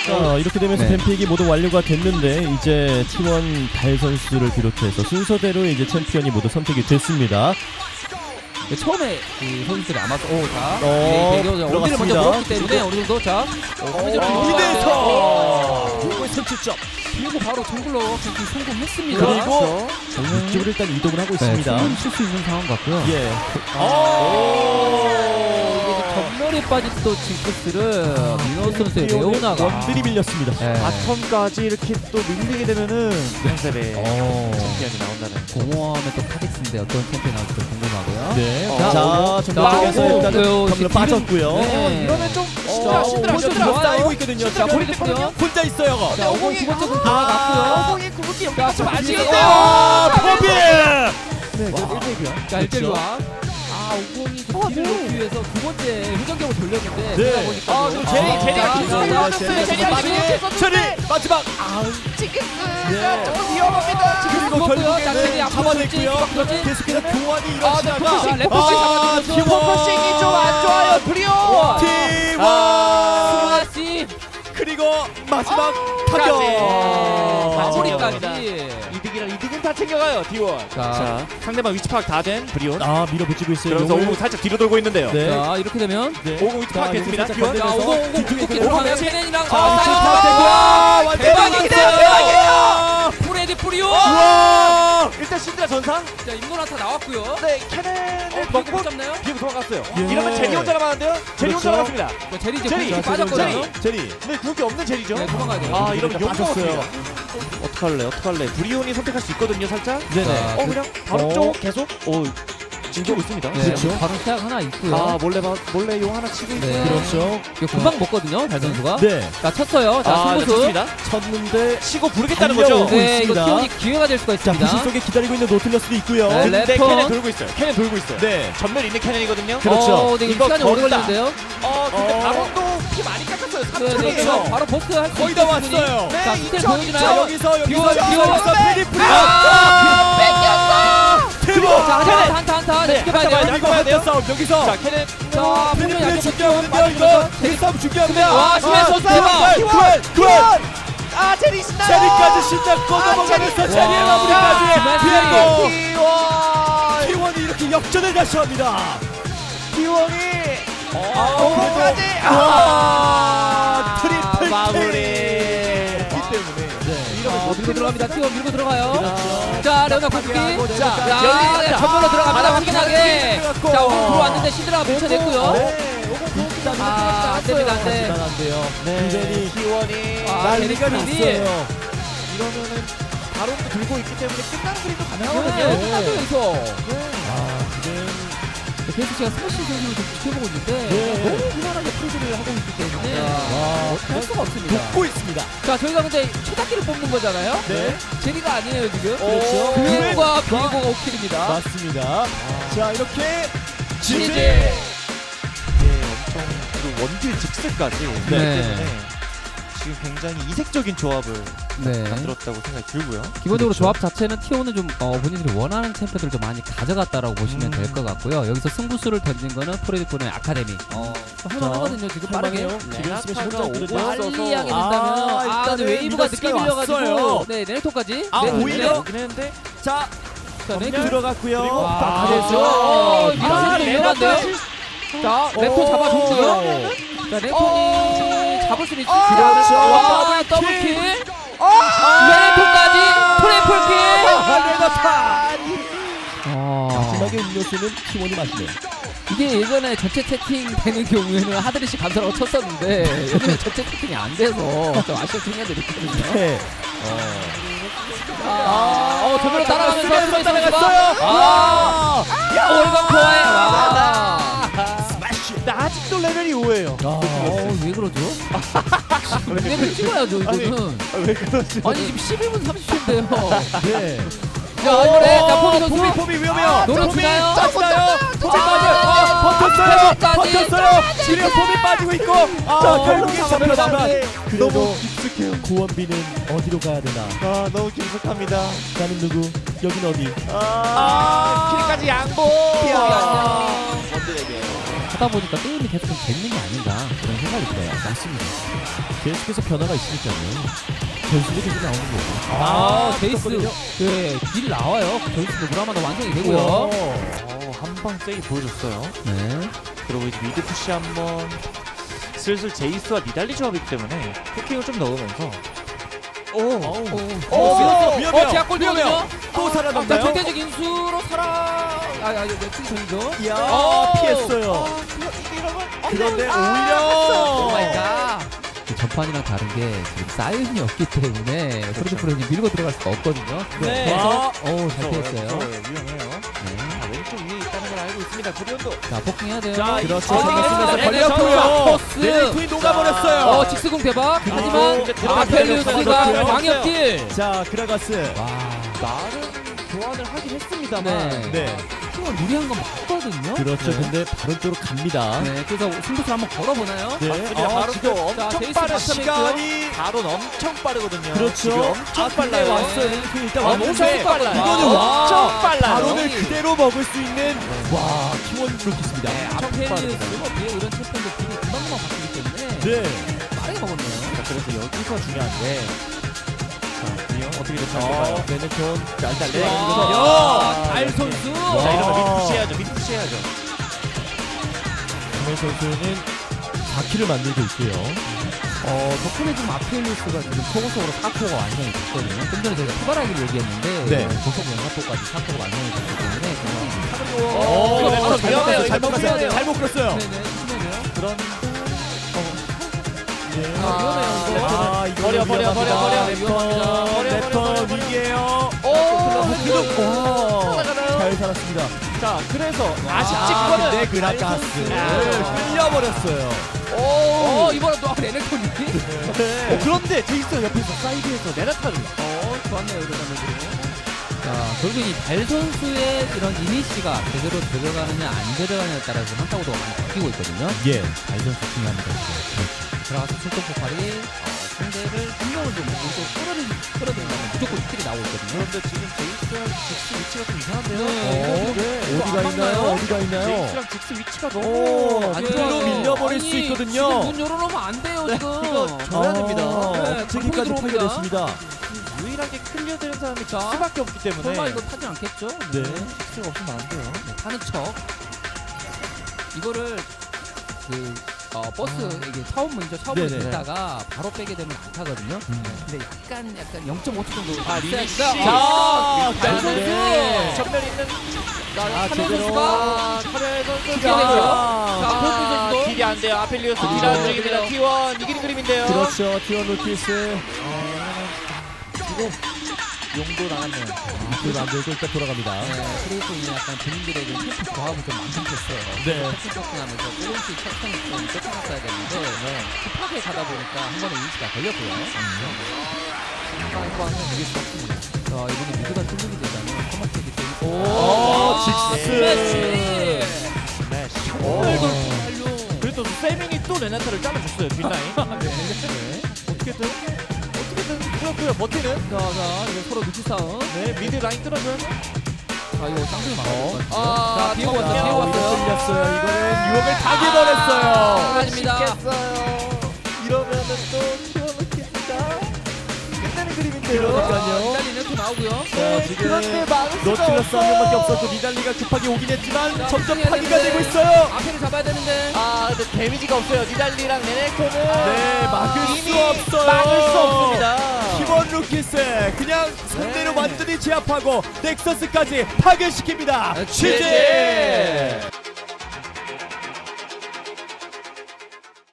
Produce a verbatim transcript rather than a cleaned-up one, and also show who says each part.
Speaker 1: 자, 이렇게 되면서
Speaker 2: 네.
Speaker 1: 뱀픽이 모두 완료가 됐는데 이제 티원 달 선수를 비롯해서 순서대로 이제 챔피언이 모두 선택이 됐습니다.
Speaker 2: 네, 처음에 그 선수들이 아마도 오, 자,
Speaker 1: 어,
Speaker 2: 네, 대결 어디를 먼저
Speaker 1: 들어갔습니다.
Speaker 2: 물었기 때문에 어느 정도 자,
Speaker 1: 이대서 이걸 선취점.
Speaker 2: 그리고 바로 정글러 경기 성공했습니다.
Speaker 1: 그리고
Speaker 2: 저는
Speaker 1: 이쪽으로 일단 이동을 하고
Speaker 2: 네,
Speaker 1: 있습니다.
Speaker 2: 충분히 칠수 있는 상황 같고요.
Speaker 1: 예.
Speaker 2: 전멸에 빠진 또 징크스를 민호 선수의 레오나가
Speaker 1: 원들이 밀렸습니다.
Speaker 2: 네.
Speaker 3: 바텀까지 이렇게 또 밀리게 되면은 컨셉의
Speaker 1: 어.
Speaker 3: 챔피언이 나온다는.
Speaker 2: 공허함의 또 카직스인데 어떤 챔피언이 나올지 궁금하고요.
Speaker 1: 네.
Speaker 3: 어,
Speaker 1: 자,
Speaker 3: 어,
Speaker 1: 정글에서
Speaker 2: 어,
Speaker 1: 일단은
Speaker 2: 어,
Speaker 1: 덤으로
Speaker 2: 지금
Speaker 1: 빠졌고요.
Speaker 2: 네.
Speaker 3: 이러면 좀
Speaker 1: 어,
Speaker 3: 시들아 시들아
Speaker 1: 혼자
Speaker 3: 시들아
Speaker 2: 좋아요.
Speaker 1: 쌓이고 있거든요.
Speaker 2: 자, 보리 됐고요.
Speaker 1: 혼자 있어요.
Speaker 2: 자, 오공 두 번째 공 들어갔고요.
Speaker 3: 오공이 궁극기
Speaker 2: 자,
Speaker 3: 연결 좀
Speaker 2: 좀
Speaker 3: 아시겠네요.
Speaker 1: 아, 포비!
Speaker 3: 네, 저 일 대이고요.
Speaker 2: 자, 일 대 일. 아, 오공이 좀 뒤를 놓기 위해서 두 번째 회전격을 돌렸는데
Speaker 1: 네.
Speaker 2: 그러다 보니까
Speaker 3: 아, 지금 제리,
Speaker 2: 아,
Speaker 3: 제리가
Speaker 2: 자,
Speaker 3: 계속
Speaker 2: 자,
Speaker 3: 올라왔어요.
Speaker 2: 자,
Speaker 3: 제리가
Speaker 2: 자,
Speaker 3: 지금
Speaker 2: 자,
Speaker 1: 체리 마지막.
Speaker 3: 징크스가 조금 위험합니다.
Speaker 2: 지금
Speaker 1: 그리고
Speaker 2: 죽었고요. 자, 체리
Speaker 1: 결국에는
Speaker 2: 앞으로
Speaker 1: 잡아냈고요.
Speaker 2: 돌진, 그렇지?
Speaker 1: 계속해서 교환이
Speaker 2: 아, 네,
Speaker 1: 이루어지다가
Speaker 2: 포커싱, 레포싱 잡아주면서
Speaker 3: 포커싱이 좀 안 좋아요. 브리오.
Speaker 1: 티원
Speaker 2: 스마시
Speaker 1: 그리고 마지막
Speaker 3: 까지.
Speaker 1: 타격.
Speaker 2: 마무리까지.
Speaker 3: 이득이랑 이득은 다 챙겨가요. 디원.
Speaker 2: 자,
Speaker 3: 자, 상대방 위치 파악 다 된 브리온.
Speaker 1: 아, 밀어붙이고 있어요.
Speaker 3: 그러면서
Speaker 1: 용을.
Speaker 3: 오공 살짝 뒤로 돌고 있는데요.
Speaker 1: 네.
Speaker 2: 자, 이렇게 되면
Speaker 1: 네.
Speaker 3: 오공 위치
Speaker 1: 자,
Speaker 3: 파악했습니다.
Speaker 1: 여기서
Speaker 3: 디원.
Speaker 1: 살짝
Speaker 2: 자, 오공 오공
Speaker 1: 뒤쪽에
Speaker 2: 뒤쪽에
Speaker 1: 있거든요.
Speaker 2: 들어가면 케넨이랑
Speaker 1: 자,
Speaker 2: 아,
Speaker 1: 위치
Speaker 2: 사이드
Speaker 1: 파악되고.
Speaker 2: 와,
Speaker 1: 완전
Speaker 2: 대박이에요.
Speaker 1: 대박이에요.
Speaker 2: 프레디 프리오.
Speaker 1: 우와!
Speaker 3: 일단 신드라 전상.
Speaker 2: 자, 임노란타 나왔고요.
Speaker 3: 네, 캐넨을
Speaker 2: 어,
Speaker 3: 먹고
Speaker 2: 먹고 잡나요?
Speaker 3: 비고 도망갔어요.
Speaker 1: 예.
Speaker 3: 이러면 제리 혼자 남았는데요. 제리 혼자
Speaker 1: 그렇죠.
Speaker 3: 남았습니다.
Speaker 2: 자, 제리 이제
Speaker 3: 제리,
Speaker 2: 공격이
Speaker 1: 자,
Speaker 2: 빠졌거든요.
Speaker 1: 제리, 제리.
Speaker 3: 근데 그게 없는 제리죠.
Speaker 2: 네, 도망가야 돼요.
Speaker 3: 아, 이러면 욕
Speaker 1: 빠졌어요.
Speaker 3: 먹었어요. 어떡할래, 어떡할래. 브리온이 선택할 수 있거든요, 살짝.
Speaker 1: 네네.
Speaker 2: 자,
Speaker 3: 어, 그냥 바로
Speaker 1: 어.
Speaker 3: 쪽 계속. 오, 지키고 있습니다.
Speaker 2: 네,
Speaker 1: 그렇죠.
Speaker 2: 바로 시작 하나 있고요.
Speaker 3: 아, 몰래 봐, 몰래 용 하나 치고 있고요.
Speaker 2: 네.
Speaker 1: 그렇죠.
Speaker 2: 이거 금방 먹거든요, 달 선수가.
Speaker 1: 네.
Speaker 2: 자, 쳤어요. 자,
Speaker 3: 아, 네,
Speaker 2: 승부수.
Speaker 3: 좋습니다.
Speaker 1: 쳤는데
Speaker 3: 치고 부르겠다는
Speaker 1: 달려오고
Speaker 3: 거죠.
Speaker 2: 네, 이거
Speaker 1: 있습니다.
Speaker 2: 티원이 기회가 될 수가
Speaker 1: 자,
Speaker 2: 있습니다.
Speaker 1: 부실 속에 기다리고 있는 노틀러스도 있고요.
Speaker 2: 네,
Speaker 3: 근데
Speaker 2: 랩턴.
Speaker 3: 캐넨 돌고 있어요. 캐넨 돌고 있어요.
Speaker 1: 네.
Speaker 3: 전멸 있는 캐넨이거든요.
Speaker 1: 그렇죠.
Speaker 2: 어, 네, 이거
Speaker 3: 이거
Speaker 2: 시간이 오래
Speaker 3: 걸다.
Speaker 2: 걸리는데요.
Speaker 3: 어, 근데
Speaker 1: 어.
Speaker 3: 바론도 피 많이 깎았어요.
Speaker 2: 네, 네, 이거
Speaker 3: 삼천이에요.
Speaker 2: 바로 버스 할수
Speaker 1: 거의 다 왔어요.
Speaker 3: 네,
Speaker 2: 자, 스텔
Speaker 3: 이천,
Speaker 2: 보여주나요?
Speaker 1: 자, 여기서
Speaker 2: 비워,
Speaker 1: 여기서
Speaker 2: 비워.
Speaker 1: 여기서 페리프리.
Speaker 2: 아,
Speaker 3: 뺏겼어!
Speaker 1: 대박.
Speaker 2: 자,
Speaker 3: 캐넨.
Speaker 2: 한타, 한타, 한타. 네,
Speaker 3: 네,
Speaker 2: 지켜봐야
Speaker 3: 한타
Speaker 2: 돼요.
Speaker 3: 봐야
Speaker 1: 이거
Speaker 3: 돼요.
Speaker 1: 한타 싸움 여기서.
Speaker 3: 자, 캐넨.
Speaker 2: 자, 보면
Speaker 1: 페리프리
Speaker 2: 약간
Speaker 1: 중요하거든요. 이거 대싸움 중요합니다.
Speaker 2: 와, 심해서
Speaker 1: 아,
Speaker 2: 대박.
Speaker 1: 구원, 구원.
Speaker 3: 아, 제리 신나요!
Speaker 1: 제리까지 신작 꺼져먹으면서
Speaker 3: 제리.
Speaker 1: 제리의
Speaker 2: 와.
Speaker 1: 마무리까지.
Speaker 2: 제리.
Speaker 1: 피고
Speaker 3: 티원!
Speaker 1: 티원이 이렇게 역전을 다시 합니다.
Speaker 3: 티원이
Speaker 1: 아,
Speaker 3: 오공까지!
Speaker 1: 와, 트리플
Speaker 3: 마무리.
Speaker 1: K.
Speaker 3: 기 때문에.
Speaker 1: 네.
Speaker 2: 아, 밀고 들어갑니다. 티원 밀고 들어가요.
Speaker 1: 그렇죠.
Speaker 2: 자, 레오나 공격기.
Speaker 1: 자,
Speaker 2: 자,
Speaker 3: 열립니다.
Speaker 2: 전면으로 들어갑니다.
Speaker 3: 바닥
Speaker 2: 확실하게.
Speaker 1: 들어갔고.
Speaker 2: 자, 오공 들어왔는데 시드라가 밀쳐냈고요.
Speaker 1: 네. 일단
Speaker 2: 아, 안 됩니다, 안 돼.
Speaker 1: 하지만 안 돼요. 굉장히
Speaker 3: 티원이
Speaker 2: 아,
Speaker 1: 난리가
Speaker 2: 제리
Speaker 1: 났어요.
Speaker 3: 이러면은 바론도 들고 있기 때문에 끝나는 그림도
Speaker 2: 네,
Speaker 3: 가능하거든요.
Speaker 2: 끝나죠, 여기서.
Speaker 1: 아, 지금
Speaker 2: 계속 제가 스매시 선수를 좀 지켜보고 있는데
Speaker 1: 네.
Speaker 2: 너무 무난하게 프리즈를 하고 있기 때문에
Speaker 1: 와,
Speaker 2: 할 수가 없습니다.
Speaker 1: 돕고 있습니다.
Speaker 2: 자, 저희가 근데 최다키를 뽑는 거잖아요.
Speaker 1: 네.
Speaker 2: 제리가 아니에요, 지금.
Speaker 1: 그렇죠.
Speaker 2: 그웬과 비에고가 오킬입니다.
Speaker 1: 맞습니다. 자, 이렇게
Speaker 2: 지지.
Speaker 1: 지지.
Speaker 3: 예, 엄청 그 원딜 직스까지
Speaker 2: 네.
Speaker 3: 때문에 지금 굉장히 이색적인 조합을
Speaker 2: 네.
Speaker 3: 만들었다고 생각이 들고요.
Speaker 2: 기본적으로
Speaker 1: 그렇죠.
Speaker 2: 조합 자체는 티오는 좀 어, 본인들이 원하는 챔피언들을 좀 많이 가져갔다라고 보시면
Speaker 1: 음.
Speaker 2: 될 것 같고요. 여기서 승부수를 던진 거는 프레디폰의 아카데미. 어, 할만하거든요, 지금 빠르게.
Speaker 1: 할만해요. 지금
Speaker 3: 레나타가
Speaker 1: 스매시 혼자
Speaker 3: 오고
Speaker 1: 없거든요.
Speaker 2: 빨리 하게
Speaker 1: 아,
Speaker 2: 된다면 아,
Speaker 1: 일단은
Speaker 2: 근데 웨이브가 늦게
Speaker 1: 미더스가
Speaker 2: 밀려가지고
Speaker 1: 왔어요.
Speaker 2: 네, 네네토까지.
Speaker 1: 아,
Speaker 2: 네,
Speaker 1: 오히려?
Speaker 2: 네.
Speaker 3: 오긴 했는데
Speaker 1: 자,
Speaker 2: 자,
Speaker 1: 검열
Speaker 2: 네네토.
Speaker 1: 들어갔고요.
Speaker 3: 그리고
Speaker 2: 와,
Speaker 1: 딱
Speaker 2: 그래서
Speaker 1: 어,
Speaker 2: 어,
Speaker 1: 아,
Speaker 2: 미라클이 위험한데요? 자, 레토 잡아줬고요. 자, 레토니 잡을 수는 있을
Speaker 1: 그렇죠.
Speaker 2: 와, 더블킬. 레토까지 트리플킬.
Speaker 1: 레나타.
Speaker 2: 어,
Speaker 1: 마지막에 음료수는 티원이 마시네요.
Speaker 2: 이게 예전에 전체 채팅 되는 경우에는 하드리시 감사라고 쳤었는데 요즘에 전체 채팅이 안 돼서 좀 아쉬운 생각들이 있거든요.
Speaker 1: 네.
Speaker 2: 아, 어, 저번에 따라가면서
Speaker 1: 스매시
Speaker 2: 스매시
Speaker 1: 따라갔어요.
Speaker 2: 아,
Speaker 1: 야,
Speaker 2: 올건 코아에 와.
Speaker 1: 스매시.
Speaker 3: 근데 아직도 레벨이 오예요.
Speaker 2: 어, 왜 그러죠? 레벨 찍어야죠, 이거는.
Speaker 3: 아, 왜 그러지?
Speaker 2: 아니, 지금 십일 분 삼십 초인데요.
Speaker 1: 네.
Speaker 2: 자, 이번에 자, 포비 선수.
Speaker 1: 포비 포비 위험해요.
Speaker 2: 노려 주나요?
Speaker 1: 짰어요. 폼이 빠져. 아, 버텼어요.
Speaker 2: 끝까지.
Speaker 1: 버텼어요. 지금 폼이 빠지고 있고. 아,
Speaker 3: 자,
Speaker 1: 결국에
Speaker 3: 결국
Speaker 1: 잡혔지만
Speaker 3: 잡혔는데
Speaker 1: 그래도
Speaker 3: 너무 깊숙해요.
Speaker 1: 고원빈은 어디로 가야 되나?
Speaker 3: 아 너무 깊숙합니다.
Speaker 1: 나는 누구? 여긴 어디?
Speaker 3: 아, 킬까지 양보.
Speaker 2: 안녕.
Speaker 3: 원드에게.
Speaker 2: 하다 보니까 게임이 계속 좀 재밌는 게 아닌가 그런 생각이 들어요.
Speaker 1: 맞습니다. 계속해서 변화가 있으니까요. 변수도 계속 나오는 거예요.
Speaker 2: 아, 제이스
Speaker 1: 있었거든요.
Speaker 2: 그딜 나와요. 제이스 노브라마도 완성이 되고요.
Speaker 3: 어, 한방 세게 보여줬어요.
Speaker 2: 네.
Speaker 3: 그리고 이제 미드 푸시 한번 슬슬 제이스와 니달리 조합이기 때문에 포킹을 좀 넣으면서 오,
Speaker 1: 오,
Speaker 2: 어,
Speaker 1: 위험해요.
Speaker 2: 어, 제약골
Speaker 1: 위험해요.
Speaker 2: 되거든요.
Speaker 1: 또
Speaker 2: 자,
Speaker 1: 살아남나요?
Speaker 2: 절대적 인수로 살아. 아, 아, 이거 넥슨이죠.
Speaker 1: 이야,
Speaker 2: 오!
Speaker 1: 피했어요. 그런데 오히려
Speaker 2: 오 마이 갓. 그 전판이랑 다른 게 지금 사이언이 없기 때문에 프로듀 프로님 밀고 들어갈 수가 없거든요.
Speaker 1: 네.
Speaker 2: 그래서 어우 잘 피했어요.
Speaker 3: 위험해요.
Speaker 2: 네.
Speaker 3: 자, 왼쪽 위에 있다는 걸 알고 있습니다. 구리온도.
Speaker 2: 자 폭킹해야 돼요.
Speaker 1: 자, 그렇죠.
Speaker 2: 아,
Speaker 1: 생겼으면서
Speaker 2: 네,
Speaker 1: 걸렸고요.
Speaker 2: 포스.
Speaker 1: 네리쿠인 녹아버렸어요.
Speaker 2: 어 직스공 대박.
Speaker 1: 그리고
Speaker 2: 하지만
Speaker 3: 이제
Speaker 2: 아펠리우스가
Speaker 1: 들어갔어요.
Speaker 2: 광역딜.
Speaker 1: 자, 그라가스.
Speaker 2: 와.
Speaker 3: 나름 교환을 하긴 했습니다만.
Speaker 2: 네.
Speaker 1: 네.
Speaker 2: 팀을 무리한 건 맞거든요.
Speaker 1: 그렇죠.
Speaker 3: 네.
Speaker 1: 근데 바로 쪽으로 갑니다.
Speaker 2: 네. 그래서 승부수 한번 걸어보나요?
Speaker 1: 네.
Speaker 3: 맞습니다.
Speaker 1: 아,
Speaker 3: 바로
Speaker 1: 지금
Speaker 3: 또
Speaker 2: 자,
Speaker 3: 엄청
Speaker 2: 제이스
Speaker 3: 빠른
Speaker 2: 맞춰냈고요.
Speaker 1: 시간이
Speaker 3: 바로 엄청 빠르거든요.
Speaker 1: 그렇죠.
Speaker 3: 지금 엄청
Speaker 1: 아, 근데
Speaker 3: 빨라요.
Speaker 1: 왔어요. 네리쿠인 일단
Speaker 3: 아,
Speaker 1: 왔는데
Speaker 3: 엄청 빨라요.
Speaker 1: 이거는
Speaker 2: 와.
Speaker 3: 엄청 빨라요.
Speaker 1: 바론을
Speaker 2: 여기.
Speaker 1: 그대로 먹을 수 있는 와, 키원 루키입니다.
Speaker 2: 네, 아펠리우스 뒤에 이런 챔피언들 딜이 금방금방 바뀌기 때문에
Speaker 1: 네.
Speaker 2: 빠르게 먹었네요.
Speaker 3: 자, 그래서 여기서 중요한데. 자, 이형 어떻게 될지
Speaker 1: 어,
Speaker 3: 볼까요?
Speaker 1: 베네톤 자, 일단
Speaker 3: 네.
Speaker 1: 레이거든요.
Speaker 2: 와, 달 선수.
Speaker 3: 자, 이러면
Speaker 1: 와.
Speaker 3: 미드 푸시해야죠. 미드 푸시해야죠.
Speaker 1: 김현 선수는 사 킬을 만들고 있고요.
Speaker 2: 어, 덕분에 지금 아펠리우스가 지금 초고속으로 사 코어가 완성이 됐거든요. 좀 전에 저희가 투바라기를 얘기했는데
Speaker 1: 네.
Speaker 2: 고속 연합도까지 사 코어가 완성이 됐기 때문에
Speaker 3: 오,
Speaker 1: 오,
Speaker 3: 이거 멘트
Speaker 1: 잘못
Speaker 3: 위험해요.
Speaker 1: 갔어요.
Speaker 3: 이거
Speaker 1: 잘못 갔어요.
Speaker 3: 위험해요.
Speaker 1: 잘못 끌었어요.
Speaker 2: 네네, 심해네요.
Speaker 3: 그런
Speaker 1: 네.
Speaker 2: 아, 위험해요, 이거.
Speaker 1: 아, 이거
Speaker 3: 버려, 버려, 버려, 버려.
Speaker 2: 위험합니다.
Speaker 3: 버려, 버려,
Speaker 1: 랩턴
Speaker 3: 버려, 버려.
Speaker 1: 위기에요.
Speaker 3: 오,
Speaker 1: 와,
Speaker 3: 살아가나요?
Speaker 1: 잘 살았습니다.
Speaker 3: 자, 그래서
Speaker 2: 아,
Speaker 3: 아쉽지만은
Speaker 1: 근데 그라가스
Speaker 3: 아.
Speaker 1: 끌려버렸어요.
Speaker 3: 오,
Speaker 2: 어, 이번엔 또 레넥톤이.
Speaker 3: 어, 그런데 제이스 옆에서 사이드에서 내나타를
Speaker 2: 어, 좋았네요, 이런 장면들이. 자, 결국 이 달 선수의 이런 이니시가 제대로 들어가느냐 안 들어가느냐에 따라서 한타고도 많이 바뀌고 있거든요.
Speaker 1: 예, 달 선수 중요합니다.
Speaker 2: 들어가서 출동 폭발이 어, 상대를 한 명을 좀 먼저 끌어들, 끌어들면 무조건 스킬이 나오고 있거든요.
Speaker 3: 그런데 지금 제이스랑 직스 위치가 좀 이상한데요?
Speaker 2: 네.
Speaker 3: 네.
Speaker 1: 어디가
Speaker 2: 안
Speaker 1: 있나요?
Speaker 2: 맞나요?
Speaker 1: 어디가 있나요?
Speaker 3: 제이스랑 직스 위치가
Speaker 1: 오,
Speaker 3: 너무
Speaker 2: 안
Speaker 1: 그대로
Speaker 2: 돼요.
Speaker 1: 밀려버릴
Speaker 2: 아니,
Speaker 1: 수 있거든요.
Speaker 2: 지금 문 열어놓으면 안 돼요,
Speaker 3: 네,
Speaker 2: 지금.
Speaker 3: 이거 줘야 됩니다.
Speaker 2: 네,
Speaker 1: 어떻게까지
Speaker 2: 강풍이
Speaker 1: 파괴됐습니다.
Speaker 3: 유일하게 클리어되는 사람이
Speaker 2: 자,
Speaker 3: 직스밖에 없기 때문에
Speaker 2: 설마 이거 타지 않겠죠?
Speaker 1: 네.
Speaker 3: 직스가 없으면 안 돼요.
Speaker 2: 네, 타는 척. 이거를 그 어, 버스 이게 차원문이죠. 차원문
Speaker 1: 네네.
Speaker 2: 있다가 바로 빼게 되면 안 타거든요.
Speaker 1: 음.
Speaker 2: 네, 근데 약간 약간 영 점 오 초 정도.
Speaker 3: 아,
Speaker 2: 있어야
Speaker 3: 리니시.
Speaker 2: 돼요.
Speaker 3: 자,
Speaker 2: 달
Speaker 1: 네.
Speaker 2: 선수.
Speaker 3: 전면 있는
Speaker 2: 자,
Speaker 1: 아,
Speaker 2: 카멜
Speaker 1: 제대로.
Speaker 2: 선수가
Speaker 3: 카멜 선수
Speaker 2: 킬이 되고요. 자,
Speaker 1: 자,
Speaker 2: 폴프 선수도.
Speaker 3: 딜이 안 돼요. 아펠리오스
Speaker 2: 아,
Speaker 3: 딜 안
Speaker 2: 네.
Speaker 3: 중입니다. 티 원 이기는 그림인데요.
Speaker 1: 그렇죠. 티원 루키스.
Speaker 3: 지금 용도 나갔네요.
Speaker 1: 그 만들고 일단 돌아갑니다.
Speaker 2: 네, 그리고 이제 약간 본인들의 그 캠프 조합을 좀 만들었어요.
Speaker 1: 네.
Speaker 2: 패킹 패킹하면서 조금씩 패턴을 좀 쫓아갔어야 되는데 급하게 가다 보니까 한 번에 이니시가 걸렸고요. 한번 이길 수 없습니다. 자, 이번에 미드가 뚫리게 되자면 커머트기 때문에
Speaker 1: 오, 직스.
Speaker 2: 스매시!
Speaker 3: 스매시.
Speaker 2: 정말
Speaker 3: 오.
Speaker 2: 돌풍 활용.
Speaker 3: 그래도 세밍이 또 레나타를 잘라줬어요. 뒷라인.
Speaker 2: 네.
Speaker 3: 어떻게든 어떻게든 그렇고요. 버티는.
Speaker 2: 자, 자, 이거 서로 눈치 싸움.
Speaker 3: 네, 미드 라인 뚫어줘요.
Speaker 2: 자, 이거 쌍둥이 막아야 될것 같아요.
Speaker 3: 아,
Speaker 2: 자, 비고 왔어요.
Speaker 3: 자,
Speaker 2: 비고
Speaker 1: 오히려
Speaker 2: 왔어요.
Speaker 1: 뚫렸어요. 이거는 유혹을 다
Speaker 2: 아,
Speaker 1: 기버렸어요.
Speaker 2: 아닙니다.
Speaker 3: 쉽겠어요. 이러면은 또 키워놓겠다. 끝내는 그림인데요.
Speaker 1: 그러니까요.
Speaker 2: 일단 이네트 나오고요.
Speaker 1: 자, 지금
Speaker 3: 그런데 막을 수가
Speaker 1: 노틸러스 한 명밖에
Speaker 3: 없어요.
Speaker 1: 없었고 니달리가 급하게 오긴 했지만
Speaker 2: 자,
Speaker 1: 점점
Speaker 2: 집중해야
Speaker 1: 파기가
Speaker 2: 되는데.
Speaker 1: 되고 있어요.
Speaker 2: 앞에를 잡아야 되는데.
Speaker 3: 아, 근데 데미지가 없어요. 니달리랑 레네코는
Speaker 1: 네, 막을 수
Speaker 3: 이미
Speaker 1: 없어요.
Speaker 3: 막을 수 없습니다.
Speaker 1: 팀원 루키스 그냥 상대를
Speaker 3: 네.
Speaker 1: 완전히 제압하고 넥서스까지 파괴시킵니다.
Speaker 2: 네,
Speaker 1: 취재.
Speaker 2: 취재.